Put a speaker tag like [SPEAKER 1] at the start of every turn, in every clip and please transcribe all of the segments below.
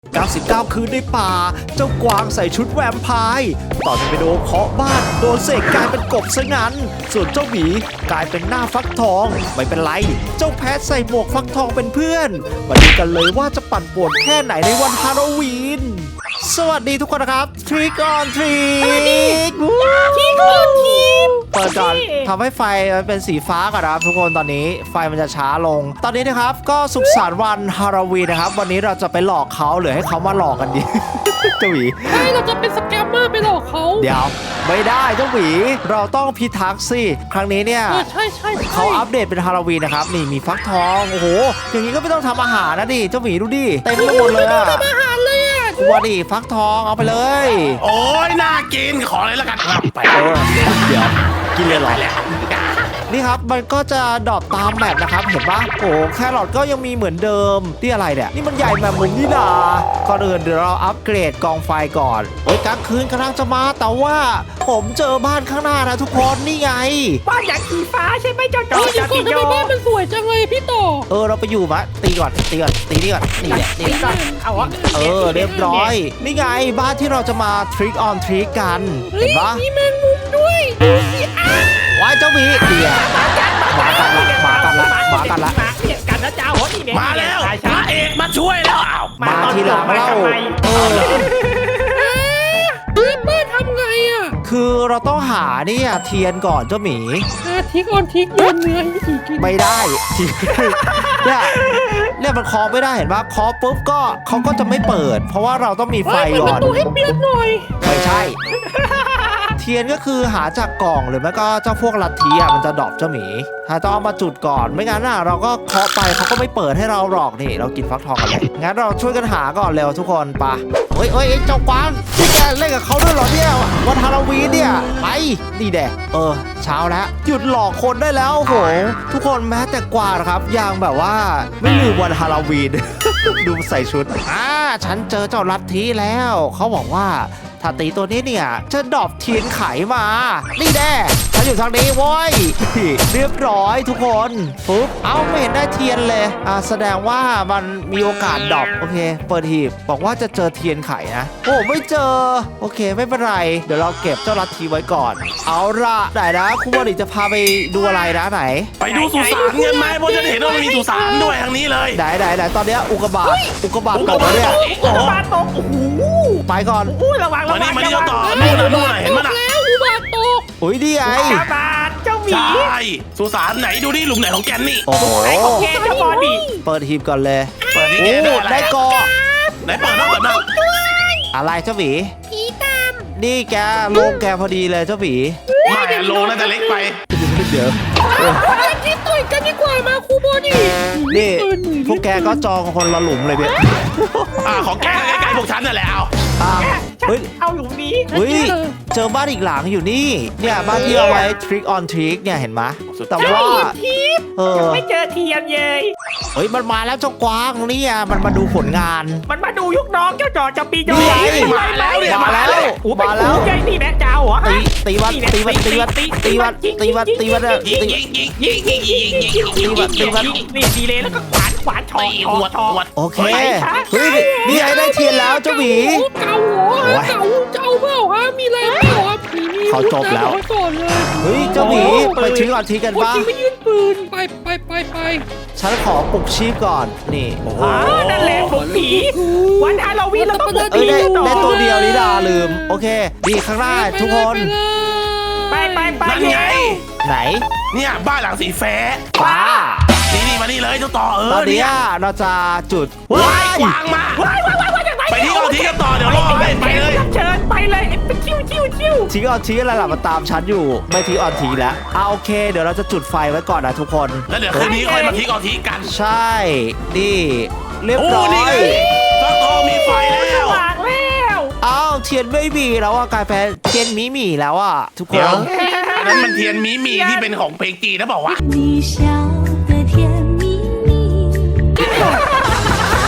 [SPEAKER 1] 99 คืนในป่าเจ้ากวางใส่ชุดแวมไพร์ต่อจะไปโดนเคาะบ้านโดนเสกกลายเป็นกบซะงั้นส่วนเจ้าหมีกลายเป็นหน้าฟักทองไม่เป็นไรเจ้าแพทใส่หมวกฟักทองเป็นเพื่อนมาดูกันเลยว่าจะปั่นป่วนแค่ไหนในวันฮาโลวีนสวัสดีทุกคนนะครับ Trick or Treat เปิดก่อนทำให้ไฟมันเป็นสีฟ้าก่อนนะครับทุกคนตอนนี้ไฟมันจะช้าลงตอนนี้นะครับก็สุขสันต์วันฮาโลวีนนะครับวันนี้เราจะไปหลอกเขาหรือให้เขามาหลอกกันดี เจ้าหวี
[SPEAKER 2] ใช่เราจะเป็นสแกมเมอร์ไปหลอกเขา
[SPEAKER 1] เดี๋ยวไม่ได้เจ้าหวีเราต้องพิทักษ์สิครั้งนี้เนี่ย
[SPEAKER 2] ใช่
[SPEAKER 1] เขาอัปเดตเป็นฮาโลวีนนะครับนี่มีฟักทองโอ้โหอย่างนี้ก็ไม่ต้องทำอาหารนะดิเจ้าหวีดูดิเต็มไปหมดเลยอะ
[SPEAKER 2] ทำอาหารเลยอ่ะ
[SPEAKER 1] ตัวดิฟักทองเอาไปเลย
[SPEAKER 3] โอ้ยน่ากินขอเลยละกันครับไป
[SPEAKER 1] เดี๋ยวกินเลยเหรอนี่ครับมันก็จะดรอปตามแมปนะครับเห็นปะโอ้แครอทก็ยังมีเหมือนเดิมที่อะไรเนี่ยนี่มันใหญ่แบบมุมนี่นาก่อนอื่นเดี๋ยวเราอัปเกรดกองไฟก่อนโอ้ยกลางคืนกำลังจะมาแต่ว่าผมเจอบ้านข้างหน้านะทุกคนนี่ไง
[SPEAKER 4] บ้านอย่างสีฟ้าใช่ไหมเจ้าจอ
[SPEAKER 2] เดี๋ยวก่อนทำไมบ้านมันสวยจังเลยพี่ต่อ
[SPEAKER 1] เราไปอยู่มะตีก่อนตีนี่แหละนี่แหละ
[SPEAKER 4] เอาวะ
[SPEAKER 1] เรียบร้อยนี่ไงบ้านที่เราจะมา Trick on Treat กัน
[SPEAKER 2] เฮ้
[SPEAKER 1] เห็
[SPEAKER 2] ย
[SPEAKER 1] นปะ
[SPEAKER 2] มีแมงมุมด้วยดูสิอ้าว
[SPEAKER 1] ว้ายเจ้าหมีเดี๋ยวมากันละ
[SPEAKER 4] มาเนี่ยกันนะเจ้าหัวนี่เนี่ย
[SPEAKER 3] มาแล้วพระเอกมาช่วยแล้วอ้าว
[SPEAKER 1] มาทีหลังเล่า
[SPEAKER 2] บ้านทำไงอ่ะ
[SPEAKER 1] คือเราต้องหาเนี่ยเทียนก่อนเจ้าหมี
[SPEAKER 2] ทิกออนทิกโยนเนื้อให้ผีกิน
[SPEAKER 1] ไม่ได้ เนี่ยมันเคาะไม่ได้เห็นปะเคาะปุ๊บก็เขาก็จะไม่เปิด เพราะว่าเราต้องมีไฟ
[SPEAKER 2] เปิด
[SPEAKER 1] ก่
[SPEAKER 2] ป
[SPEAKER 1] อน
[SPEAKER 2] ระตูให้เปียกหน่อย
[SPEAKER 1] ไม่ใช่ เทียนก็คือหาจากกล่องหรือไม่ก็เจ้าพวกลัทธิมันจะดรอปเจ้าหมีต้องเอามาจุดก่อนไม่งั้นเราก็เคาะไปเขาก็ไม่เปิดให้เราหรอกนี่เรากินฟักทองกันเลยงั้นเราช่วยกันหาก่อนเร็วทุกคนปะเฮ้ยเจ้ากวางที่แกเล่นกับเขาด้วยเหรอเนี่ยวันฮาโลวีนเนี่ยไปนี่แดเช้าแล้วหยุดหลอกคนได้แล้วโหทุกคนแม้แต่กวางนะครับยังแบบว่าไม่ลืมวันฮาโลวีน ดูใส่ชุดฉันเจอเจ้าลัทธิแล้วเขาบอกว่าถ้าตีตัวนี้เนี่ยจะดรอปเทียนไขมานี่แน่ฉันอยู่ทางนี้โว้ย เรียบร้อยทุกคนปุ๊บไม่เห็นได้เทียนเลยแสดงว่ามันมีโอกาสดรอปโอเคเปิดหีบบอกว่าจะเจอเทียนไขนะโอ้ไม่เจอโอเคไม่เป็นไรเดี๋ยวเราเก็บเจ้าลัทธิไว้ก่อนเอาละไหนนะคุณบริจะพาไปดูอะไรนะไหน
[SPEAKER 3] ไปดูสุสานกันไหมเพราะจะเห็นว่ามันมีสุสานด้วยทางนี้เลย
[SPEAKER 1] ไหนตอนเนี้ยอุกกาบาตตกแล้วเนี่ย
[SPEAKER 4] อุกกาบาตตกโอ้โห
[SPEAKER 1] ไปก่อน
[SPEAKER 4] ระวัง
[SPEAKER 3] มานี่เจ้าต่อนู่นเห็นมั้ยล่ะ
[SPEAKER 2] แล้วอุบาทตก
[SPEAKER 1] อุ้ยดีไง
[SPEAKER 4] อุกกาบาตเจ้าหมี
[SPEAKER 3] ใช่สุสานไหนดูนี่หลุมไหนของแกนนี่
[SPEAKER 1] โอ้โห
[SPEAKER 4] โอเคเจ้าบอดี้
[SPEAKER 1] เปิดหีบก่อนเลย
[SPEAKER 3] เปิดนี่
[SPEAKER 1] โอ้
[SPEAKER 3] แกได้อะไร
[SPEAKER 1] ได้เกาะ
[SPEAKER 3] ไหนเปิดบ้างเปิดบ้าง
[SPEAKER 1] อะไรเจ้าหมี
[SPEAKER 2] ผีตาม
[SPEAKER 1] นี่แกลงแกพอดีเลยเจ้าหมี
[SPEAKER 3] ไม่โลน่าจะเล็กไป
[SPEAKER 1] เดี๋ยว
[SPEAKER 2] อยากกินต่อยกันดีกว่ามาครูบอดี้
[SPEAKER 1] นี่พวกแกก็จองคนละหลุมเลยเนี่ย
[SPEAKER 3] ของแกใกล้ๆพวกฉันนั่นแหละเอา
[SPEAKER 1] เฮ้ย
[SPEAKER 4] เอาหลุมนี้
[SPEAKER 1] เจอบ้านอีกหลังอยู่นี่เนี่ยบ้านที่เอาไว้ Trick on Treat เนี่ยเห็นไหมแต่ว่า
[SPEAKER 4] ทิพย์ไม่เจอเทียนเลย
[SPEAKER 1] เฮ้ยมันมาแล้วเจ้ากวางเนี่ยมันมาดูผลงาน
[SPEAKER 4] มันมาดูยุกน้องเจ้าจอจะปีโด
[SPEAKER 3] มาแล้วเนี่ย
[SPEAKER 1] มาแล้ว
[SPEAKER 4] มาแล้วใหญ่นี่แม่เจ้าเหรอ
[SPEAKER 1] ตีวัน
[SPEAKER 3] ยิงยิงยิง
[SPEAKER 4] นี่ดีเลยแล้วก็ขวานชอ
[SPEAKER 1] โอเคเฮ้ยนี่ไอ้ได้เทียนแล้วเจ้าหมี
[SPEAKER 2] เก่าเหรอเก่าเจ้าเปล่าฮะมีแรงเปล่าฮะผีนี่
[SPEAKER 1] เขาจบแล้ว
[SPEAKER 2] ก่อนเลย
[SPEAKER 1] เฮ้ยเจ้าหมีไปTrick on Treatกัน
[SPEAKER 2] คน
[SPEAKER 1] บ้าง
[SPEAKER 2] จริงไม่ยืนปืนไป
[SPEAKER 1] ฉันขอปลุกชีพก่อนนี่
[SPEAKER 4] นั่นแหละผมผีวันฮาโลวีนเราต้องบุกผี
[SPEAKER 1] ได้ตัวเดียวนี่ดาลืมโอเคดีข้างหน้าทุกคน
[SPEAKER 4] ไป
[SPEAKER 3] นั่นไง
[SPEAKER 1] ไหน
[SPEAKER 3] เนี่ยบ้านหลังสีแฟ้
[SPEAKER 1] ป้า
[SPEAKER 3] นี่มานี่เลยเจ้าต่อ
[SPEAKER 1] ตอนนี้เราจะจุด
[SPEAKER 3] ว้ายกวางมาไปที่เอาที่กันต่อเดี๋ยวรอให้ไปเลย
[SPEAKER 4] เชิญไปเลยชิว
[SPEAKER 1] ทิ้งออนทีอะไรล่ะมาตามฉันอยู่ไม่ทิ้งออนทีแล้วโอเคเดี๋ยวเราจะจุดไฟไว้ก่อนนะทุกคน
[SPEAKER 3] แล้วเดี๋ยวคืนนี้ค่อยมาทิ้งเอาทิ้งกัน
[SPEAKER 1] ใช่นี่เรียบ
[SPEAKER 3] โอ้
[SPEAKER 1] ร้อ
[SPEAKER 3] นี่
[SPEAKER 1] ย
[SPEAKER 3] ฟักทองมีไฟแล้ว
[SPEAKER 4] ปากแล้ว
[SPEAKER 1] เทียนไม่มีแล้วกลายเป็นเทียนมีแล้วทุกค
[SPEAKER 3] เดี๋ยวน นั้นมันเทียนมีที่เป็นของเพลงจีนนะบอกว่า
[SPEAKER 5] 你笑的甜蜜蜜。
[SPEAKER 3] เที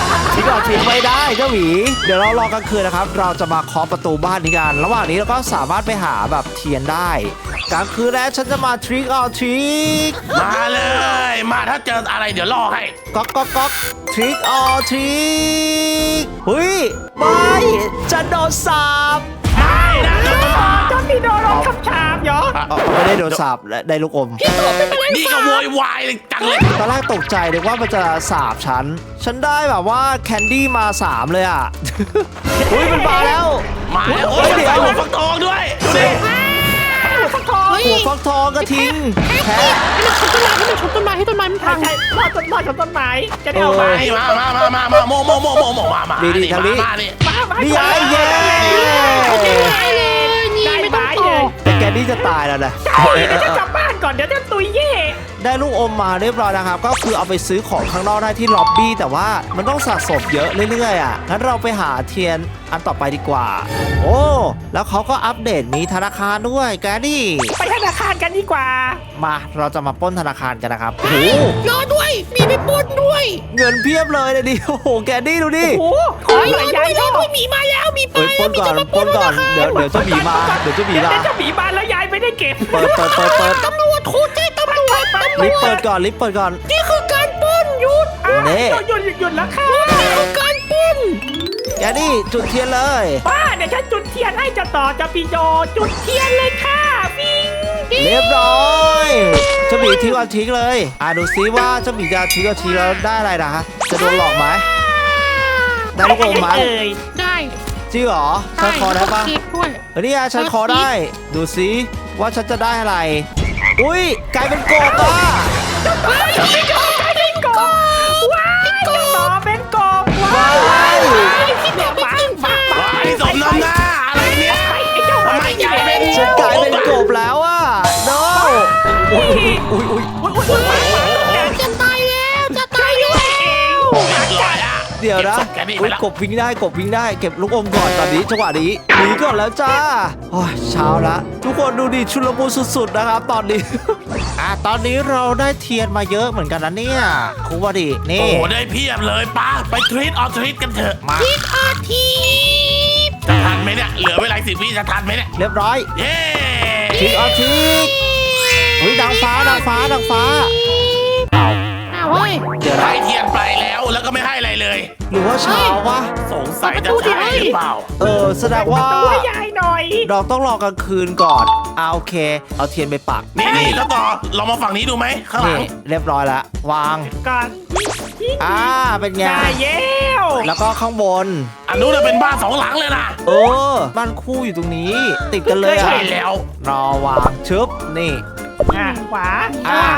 [SPEAKER 1] กออทริกไม่ได้เจ้าหมีเดี๋ยวเรารอกลางคืนนะครับเราจะมาเคาะประตูบ้านนี้กันระหว่างนี้เราก็สามารถไปหาแบบเทียนได้กลางคืนแล้วฉันจะมาทริกออทริก
[SPEAKER 3] มาเลยมาถ้าเจออะไรเดี๋ยวล่อให้
[SPEAKER 1] ก๊อกก๊อกก๊อกทริกออทริกเฮ้ยไม่จะโดนสาบ
[SPEAKER 3] ไม่นะ
[SPEAKER 4] เจ้าพี่โดนรถขับชามเหรอ
[SPEAKER 1] ไม่ได้โดนสาบได้ลูกอม
[SPEAKER 3] นี่ก็โวยวายเลยจังเลย
[SPEAKER 1] ตอนแรกตกใจนึกว่ามันจะสาบฉันได้แบบว่าแคนดี้มา3เลยอ่ะ อุ้ยมันมาแล้ว
[SPEAKER 3] มาแล้วโอ้ยเดี๋ยวหัวฟักทองด้วยดูดิ
[SPEAKER 4] หัวฟักทอง
[SPEAKER 1] หัวฟักทองกระทิงแพะ
[SPEAKER 2] ให้มันชนต้นไม้ให้ต้นไม้มันพัง
[SPEAKER 4] ใช่รอดต้นไม้จะได้เอาไป
[SPEAKER 3] มาโมมามา
[SPEAKER 1] ดี
[SPEAKER 3] นี่
[SPEAKER 1] ทางนี้
[SPEAKER 3] มานี่
[SPEAKER 1] นี่ไงเย้
[SPEAKER 2] ได้เลยนี่ไม่ต้องต่อ
[SPEAKER 1] แต่แกนี่จะตายแล้วนะ
[SPEAKER 4] เดี๋ยวจะกลับบ้านก่อนเดี๋ยวจะตุยเย่
[SPEAKER 1] ได้ลูกอมมาเรียบร้อยนะครับ ก็คือเอาไปซื้อของข้างนอกได้ที่ล็อบบี้แต่ว่ามันต้องสะสมเยอะเรื่อยๆอ่ะงั้นเราไปหาเทียนอันต่อไปดีกว่า โอ้แล้วเขาก็อัปเดตมีธนาคารด้วยแกนี่
[SPEAKER 4] ไปธนาคารกันดีกว่า
[SPEAKER 1] มาเราจะมาปล้นธนาคารกันนะครับโอ้โห
[SPEAKER 2] รอด้วยมีไปปล้นด้วย
[SPEAKER 1] เงินเพียบเลยดิโอ้โหแกนี่ดูดิ
[SPEAKER 4] โอ้โหขอหลายยาย
[SPEAKER 2] ร
[SPEAKER 4] ร
[SPEAKER 2] อ
[SPEAKER 4] อ
[SPEAKER 2] ด้วยมีมาแล้วมีมา
[SPEAKER 1] เอ้ยปล้นก่อนปล้นก่อนเดี๋ยวเจ้าหมีมาเดี๋ยวเจ้าหมีมา
[SPEAKER 4] เดี๋ยวจะหมีบานแล้วยายไม่ได้เก็บ
[SPEAKER 1] เปิด
[SPEAKER 2] ตำรวจโทรแจ้งตำรวจ
[SPEAKER 1] รีบเปิดก่อนรีบเปิดก่อน
[SPEAKER 2] นี่คือการปล้นหยุด
[SPEAKER 1] นี่
[SPEAKER 4] หยุดแล้วค่ะ
[SPEAKER 2] นี่คือการปล้น
[SPEAKER 1] แกนี่จุดเทียนเลย
[SPEAKER 4] ป้าเดี๋ยวฉันจุดเทียนให้จะต่อจะปีโยจุดเทียนเลยค่ะฟิง
[SPEAKER 1] เรียบร้อยเจ้าหมีทิ้งเอาทิ้งเลยดูซิว่าเจ้าหมีจะทิ้งเอาทิ้งแล้วได้อะไรนะฮะจะโดนหลอกไหมได้ลูกอมไหม
[SPEAKER 4] เอ่ย
[SPEAKER 2] ได้
[SPEAKER 1] จริงเหรอฉันขอได้ปะ
[SPEAKER 2] เค้กด้วย
[SPEAKER 1] เฮ้ยนี่ไงฉันขอได้ ดูซิว่าฉันจะได้อะไร อุ้ยกลายเป็นกบอ่ะ
[SPEAKER 4] เป็นกบเป็นกบว้ายจะต่อเป็นกบว้าย
[SPEAKER 2] พี่แบบไม่ตึงฟ้า
[SPEAKER 3] ว้ายสมน้ำหน้าอะไรเนี่ย
[SPEAKER 4] ไอ้เจ้า
[SPEAKER 3] ทำไมกลายเป็น
[SPEAKER 1] ฉันกลายเป็นกบแล้วอ่ะ no อุ้ยอุ้ยอุ้ย
[SPEAKER 2] จะตายแล้วจะตายแล้ว
[SPEAKER 3] เรียบร้อยอะ
[SPEAKER 1] เดี๋ยวนะ
[SPEAKER 3] แกนี่ไป
[SPEAKER 1] อุ้ย
[SPEAKER 3] แล้ว
[SPEAKER 1] กบวิ่งได้กบวิ่งได้เก็บลูกอมก่อนตอนนี้จังหวะนี้หนีก่อนแล้วจ้าโอ้ยเช้าละทุกคนดูดิชุลมุนสุดๆนะครับตอนนี้ ตอนนี้เราได้เทียนมาเยอะเหมือนกันนะเนี่ยครูวดิ
[SPEAKER 3] โอ้
[SPEAKER 1] นี่
[SPEAKER 3] โหได้เพียบเลยป้าไปทรีตออทรีตกันเถอะมา
[SPEAKER 2] ทิศอาทิ
[SPEAKER 3] จะทันไหมเนี่ยเหลือเวลา10 วิจะทันไหมเนี่ย
[SPEAKER 1] เรียบร้อย
[SPEAKER 3] เย้
[SPEAKER 1] ทิกเอาทิกอุ้ยนางฟ้านางฟ้านางฟ้าเอา
[SPEAKER 2] เฮ้ย
[SPEAKER 1] เดี๋ยว
[SPEAKER 3] ได้
[SPEAKER 1] นะ
[SPEAKER 3] เทียนไปแล้วแล้วก็ไม่ให้อะไรเลย
[SPEAKER 1] หรือว่าเช้าวะ
[SPEAKER 3] สงสัยจะใช่หรือเปล่า
[SPEAKER 1] แสดงว่า
[SPEAKER 4] ตัวยายหน่อย
[SPEAKER 1] เราต้องรอกลางคืนก่อนโอเค เอาเทียนไปปัก
[SPEAKER 3] นี่แล้วต่อลองมาฝั่งนี้ดูไหมข้างหลัง
[SPEAKER 1] นี่เรียบร้อยแล้ววาง
[SPEAKER 4] ก่อน
[SPEAKER 1] เป็นไง
[SPEAKER 4] ได้เย้ว
[SPEAKER 1] แล้วก็ข้างบน
[SPEAKER 3] อันนู้นนะเป็นบ้าน2 หลังเลยนะ
[SPEAKER 1] บ้านคู่อยู่ตรงนี้ ติดกันเลย
[SPEAKER 3] ใช่
[SPEAKER 1] อ่ะ
[SPEAKER 3] แล้ว
[SPEAKER 1] รอวางชึบนี่
[SPEAKER 4] ขวา
[SPEAKER 1] อ่ะ
[SPEAKER 4] ซ้าย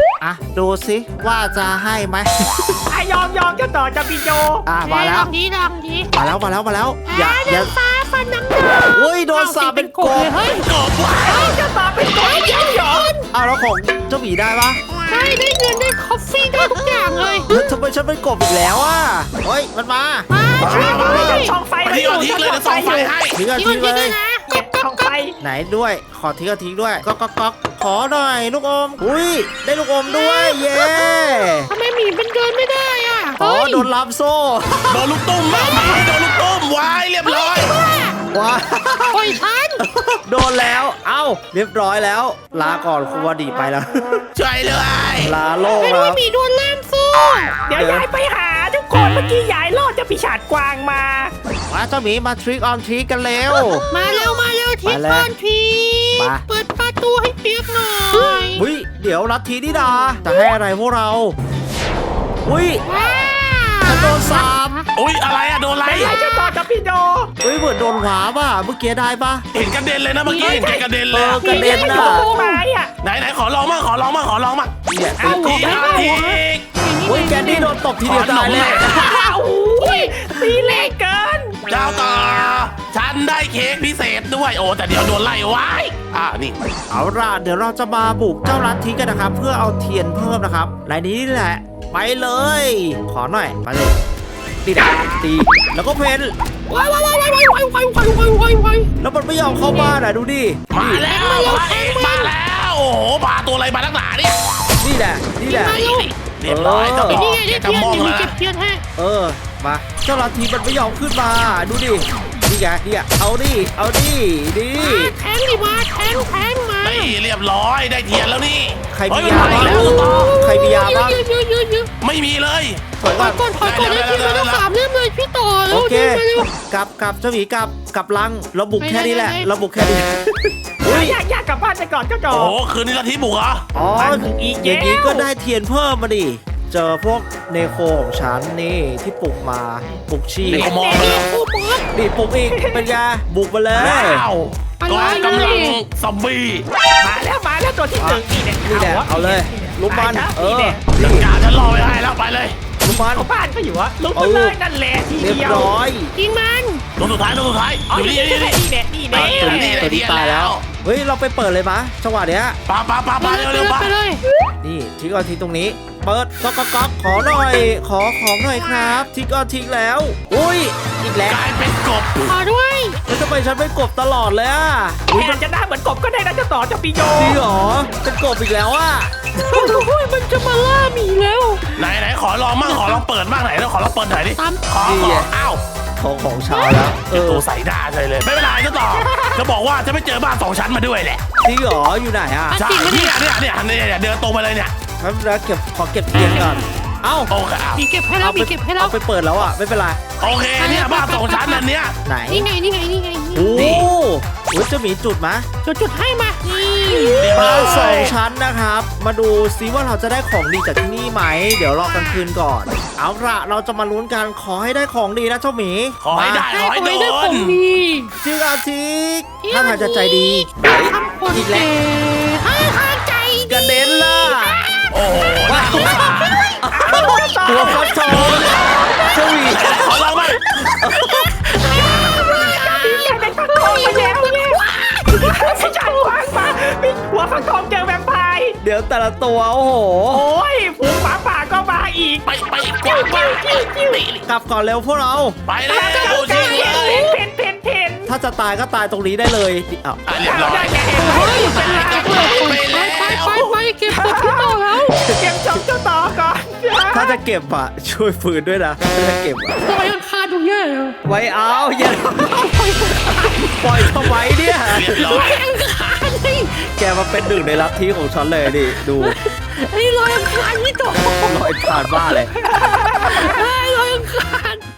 [SPEAKER 1] ดูสิว่าจะให้ไหม
[SPEAKER 4] ยอมจะต่อจะปีโย
[SPEAKER 1] มาแล้ว
[SPEAKER 2] ลองดี
[SPEAKER 1] มาแล้วอย่า
[SPEAKER 2] ฟ้าฟันน้ำหนา
[SPEAKER 1] อุ้ยโดนสาปเป็นกบ
[SPEAKER 2] เฮ้ย
[SPEAKER 3] กบว่ะ
[SPEAKER 4] จะต่อเป็นกบยังหยอ
[SPEAKER 1] แล้วของเจ้าหมีได้ปะ
[SPEAKER 2] ได้เงินได้คอฟฟี่ได้ทุกอย่างเลย
[SPEAKER 1] ทำไมฉันเป็นกบอีกแล้วอ่ะเฮ้ยมันมา
[SPEAKER 2] ช่วยด้วย
[SPEAKER 4] ช่องไฟ
[SPEAKER 3] ไปที่ออทิกเลยจะส่องไฟให้
[SPEAKER 1] ทิ้งกัน
[SPEAKER 2] ที่
[SPEAKER 1] ทิ้
[SPEAKER 2] มัน
[SPEAKER 1] งเล
[SPEAKER 2] ด้วย ยนะ
[SPEAKER 4] ช่องไฟ
[SPEAKER 1] ไหนด้วยขอทิ้งกันทิ้งด้วยก๊อกก๊อกก๊อกขอหน่อยลูกอมอุ้ยได้ลูกอมด้วยเย้
[SPEAKER 2] ทำไมหมีเป็นเดินไม่ได้อ่ะ
[SPEAKER 1] โดนลับโซ่
[SPEAKER 3] โดนลูกตุ้มบ้างไหมโดนลูกตุ้มวายเรียบร้อย
[SPEAKER 1] ว้า
[SPEAKER 2] ปล่อยฉัน
[SPEAKER 1] โดนแล้วเรียบร้อยแล้ว ลาก่อนครูวดีไปแล้ว
[SPEAKER 3] ช่วยเลย
[SPEAKER 1] ลาโลก
[SPEAKER 2] ไม่
[SPEAKER 1] แล้
[SPEAKER 2] รู้
[SPEAKER 1] ว
[SPEAKER 2] ว่าหมีโดนล่ามสู้
[SPEAKER 4] เดี๋ยวยายไปหาทุกคนเมื่อกี้ยายรอดจะปีศาจกวางมา
[SPEAKER 1] มาเจ้าหมีมาทริกออนทริกกันเร็ว
[SPEAKER 2] มาเร็วทิศ
[SPEAKER 1] มาเลย
[SPEAKER 2] ก่อนที
[SPEAKER 1] มา
[SPEAKER 2] เปิดประตูให้เปียกหน่อย
[SPEAKER 1] อุ้ยเดี๋ยวลัทธินี่ดาจะให้อะไรพวกเราอุ้ย
[SPEAKER 2] ว้า
[SPEAKER 1] ฉันโดนสาป
[SPEAKER 3] อุ้ยอะไรอะโดนอะไร
[SPEAKER 4] ไม่ยายจะต่อจะปีโย
[SPEAKER 1] อุ้ยเหมือนโดนหวาป่ะเมื่อกี้ได้ป่ะ
[SPEAKER 3] เห็นกระเด็นเลยนะเมื่อกี้เห็นแกกระเด็นเลยอะ
[SPEAKER 1] กระเด็น
[SPEAKER 4] อ
[SPEAKER 1] น่ะ
[SPEAKER 4] ยู่ตรงไม้อ่ะ
[SPEAKER 3] ไหนขอลองมั่งขอลองมั่ง
[SPEAKER 1] เนี่ย
[SPEAKER 3] เอาทีเอาที
[SPEAKER 1] อุ้ยแกนดี้โดนตบทีเดียวตายเลย
[SPEAKER 4] โอ้ยตีเล็กเกิน
[SPEAKER 3] เจ้าต่อฉันได้เค้กพิเศษด้วยโอ้แต่เดี๋ยวโดนไล่ไว้นี่
[SPEAKER 1] เอาล่ะเดี๋ยวเราจะมาบุกเจ้าลัทธิกันนะครับ เพื่อเอาเทียนเพิ่มนะครับรายนี้นี่แหละไปเลย ขอหน่อยมาเลยตีดาตีแล้วก็เพน
[SPEAKER 2] ว้าย
[SPEAKER 1] แล้วมันไม่ยอมเข้าบ้านอ่ะดูดิ
[SPEAKER 3] มาแล้วมาแล้วโอ้โหพาตัวอะไรมาตั้งหนาเนี่ย
[SPEAKER 1] นี่แหละ
[SPEAKER 3] เรียบร้อยเจ้าต่อ
[SPEAKER 2] นี่ไง
[SPEAKER 3] แก
[SPEAKER 2] ได้
[SPEAKER 3] จะ
[SPEAKER 2] เทียน
[SPEAKER 3] มอง
[SPEAKER 2] อยู่มี
[SPEAKER 3] แล้ว
[SPEAKER 2] เก็บเทียนให้
[SPEAKER 1] เออมาเจ้าลัทธิมันไม่ยอมขึ้นมาดูดินี่ไงเนี่ยเอาดิดิ
[SPEAKER 2] แทงดิมาแทงมา
[SPEAKER 3] นี่เรียบร้อยได้เทียนแล้วนี่
[SPEAKER 1] ใครมี
[SPEAKER 3] เฮ้
[SPEAKER 1] ยาบ้าง
[SPEAKER 3] แล้วต่อ
[SPEAKER 1] ใครมียาบ้าง
[SPEAKER 2] เยอะ
[SPEAKER 3] ไม่มีเลย
[SPEAKER 1] ถอย
[SPEAKER 2] ถ
[SPEAKER 1] ก่
[SPEAKER 2] อ
[SPEAKER 1] อย น
[SPEAKER 2] ก่อนถอยก่อนได้กินมาต้อง3 เล่มเลยพี่ต่อ
[SPEAKER 1] โอเค
[SPEAKER 2] มาเร็ว
[SPEAKER 1] กลับเจ้าหมีกลับลังเราบุกแค่นี้แหละ
[SPEAKER 2] ไป
[SPEAKER 1] เราบุกแค่นี้
[SPEAKER 4] อยากกลับบ้านไปก่อนเจ้าจอ
[SPEAKER 3] โอ้โหคืนนี้ลัทธิบุกเหรอ
[SPEAKER 1] อ๋อ
[SPEAKER 4] มันอีก
[SPEAKER 1] อย่างนี้
[SPEAKER 4] แล้ว
[SPEAKER 1] ก็ได้เทียนเพิ่มมาดิเจอพวกเนโคของฉันนี่ที่ปลุกมาปลุกชี
[SPEAKER 3] เด็กมอง
[SPEAKER 2] ๆ
[SPEAKER 3] เลย
[SPEAKER 2] โอ้บอส
[SPEAKER 1] นี่ปลุกอีกเป็นไงบุกมาเลย
[SPEAKER 3] ว้าว
[SPEAKER 2] อะไร
[SPEAKER 3] กองกำลังซอมบี้
[SPEAKER 4] มาแล้วตัวที่หนึ่งนี่
[SPEAKER 1] นี่แหละเอาเลยลุกมันเออ
[SPEAKER 3] จัดการฉันรอไม่ได้แล้วไปเลย
[SPEAKER 1] ลุกมัน
[SPEAKER 4] เอาบ้านก็อยู่วะลุกมาเลยนั่นแหละที
[SPEAKER 1] เรียบ
[SPEAKER 4] เดียว
[SPEAKER 1] ร้อย
[SPEAKER 2] ยิงมัน
[SPEAKER 3] ตัวสุดท้ายอยู่นี่
[SPEAKER 4] นี่แหละนี่แหละ
[SPEAKER 1] ตัวนี้ตายแล้วเฮ้ยเราไปเปิดเลยมะจังหวะเนี้ย
[SPEAKER 3] ปาเร็วๆปา
[SPEAKER 2] ไปเลย
[SPEAKER 1] นี่ทิ้งก่อนทิ้งตรงนี้ เปิดก๊อกขอหน่อยขอของหน่อยครับทิ้งก่อนทิ้งแล้วอุ้ยอีกแล้ว
[SPEAKER 3] กลายเป็นกบ
[SPEAKER 2] ขอด้วย
[SPEAKER 1] แล้วทำไมฉันเป็นกบตลอดเลยอ่ะ
[SPEAKER 4] อุ้ยมันจะหน้าเหมือนกบก็ได้นะเจ้าต่อเจ้าปีโย
[SPEAKER 1] จริงเหรอเป็นกบอีกแล้วอ่ะ
[SPEAKER 2] โอ้ยมันจะมาล่าหมีแล้ว
[SPEAKER 3] ไหนขอลองมั่งขอลองเปิดมั่งไหนแล้วขอลองเปิดหน่อยดิ
[SPEAKER 2] ตาม
[SPEAKER 3] ขออ้าว
[SPEAKER 1] ของชาวแล้ว
[SPEAKER 3] ตัวใส่หน้าเลยไม่เป็นไรก็ต่อจะบอกว่าจะไม่เจอบ้าน2 ชั้นมาด้วยแหละ
[SPEAKER 1] จริงเหรออยู่ไหนอ่ะ
[SPEAKER 3] ใช่เนี่ยเดินตรงไปเลยเนี่ย
[SPEAKER 1] ครับแล้วขอเก็บเทียนก่อนเอ้า
[SPEAKER 3] โอเค
[SPEAKER 2] มีเก็บให้แล้วมีเก็บให้แล้ว
[SPEAKER 1] เอาไปเปิดแล้วอ่ะไม่เป็นไร
[SPEAKER 3] โอเคเนี่ยบ้าน2 ชั้นอันเนี้ย
[SPEAKER 1] ไหน
[SPEAKER 2] นี่ไง
[SPEAKER 1] โอ้โหจะมีจุดมะ
[SPEAKER 2] จุดให้มานี่
[SPEAKER 1] บ้านสองชั้นนะครับ มาดูซิว่าเราจะได้ของดีจากที่นี่ไหม เดี๋ยวรอกลางคืนก่อน เอาละเราจะมาลุ้นกันขอให้ได้ของดีนะเจ้าหมี
[SPEAKER 3] ขอให้ได้
[SPEAKER 2] ให้
[SPEAKER 3] ขอให้
[SPEAKER 2] ไว้
[SPEAKER 3] โด
[SPEAKER 2] ได้ข
[SPEAKER 3] น
[SPEAKER 2] องดี
[SPEAKER 1] จิกอาทิกถ้าทางจะใจดี
[SPEAKER 2] ทำคน
[SPEAKER 1] อีกแล้ว
[SPEAKER 2] ให้ทางใจ
[SPEAKER 1] กระเด็นล่ะ
[SPEAKER 3] โอ้โหน่าสงสาร
[SPEAKER 1] ตัวฟักทองเจ้าหมี
[SPEAKER 3] ขอลองบ้าง
[SPEAKER 4] อยากได้ฟักทองมาแล้วเนี่ยไม่ใช่วางมาหัวฟักทองเจอแวมไพร์
[SPEAKER 1] เดี๋ยวแต่ละตัวโอ้โห
[SPEAKER 4] โอ้ยฝูงหมาป่าก็มาอีก
[SPEAKER 3] ไปกว่าบ้านนี่
[SPEAKER 1] กลับก่อนเร็วพวกเรา
[SPEAKER 3] ไปแล้วจริงเลย
[SPEAKER 4] เพน
[SPEAKER 1] ถ้าจะตายก็ตายตรงนี้ได้เลยอ้าว
[SPEAKER 3] เรียบร้อย
[SPEAKER 4] ได้แก่
[SPEAKER 2] เฮ้ย
[SPEAKER 4] เป็นไร
[SPEAKER 2] ไปเก็บศพพี่ต่อแล้ว
[SPEAKER 4] เก็บจบเจ้าต่อก่อน
[SPEAKER 1] ถ้าจะเก็บอ่ะช่วยฟืนด้วยนะถ้าจะเก็บอ่ะ
[SPEAKER 2] ต่อยังคาตรงเนี้ยเหรอ
[SPEAKER 1] ไว้เอาอย่าปล่อยทำไมเนี่ย
[SPEAKER 3] เรียบร้อย
[SPEAKER 2] ยังคาเลย
[SPEAKER 1] แกมาเป็นหนึ่งในลัทธิของฉันเลยดิดู
[SPEAKER 2] ไอ้รอยยังคาพี่ต่อ
[SPEAKER 1] ลอยผ่านบ้านเลย
[SPEAKER 2] ไอ้รอยยังคา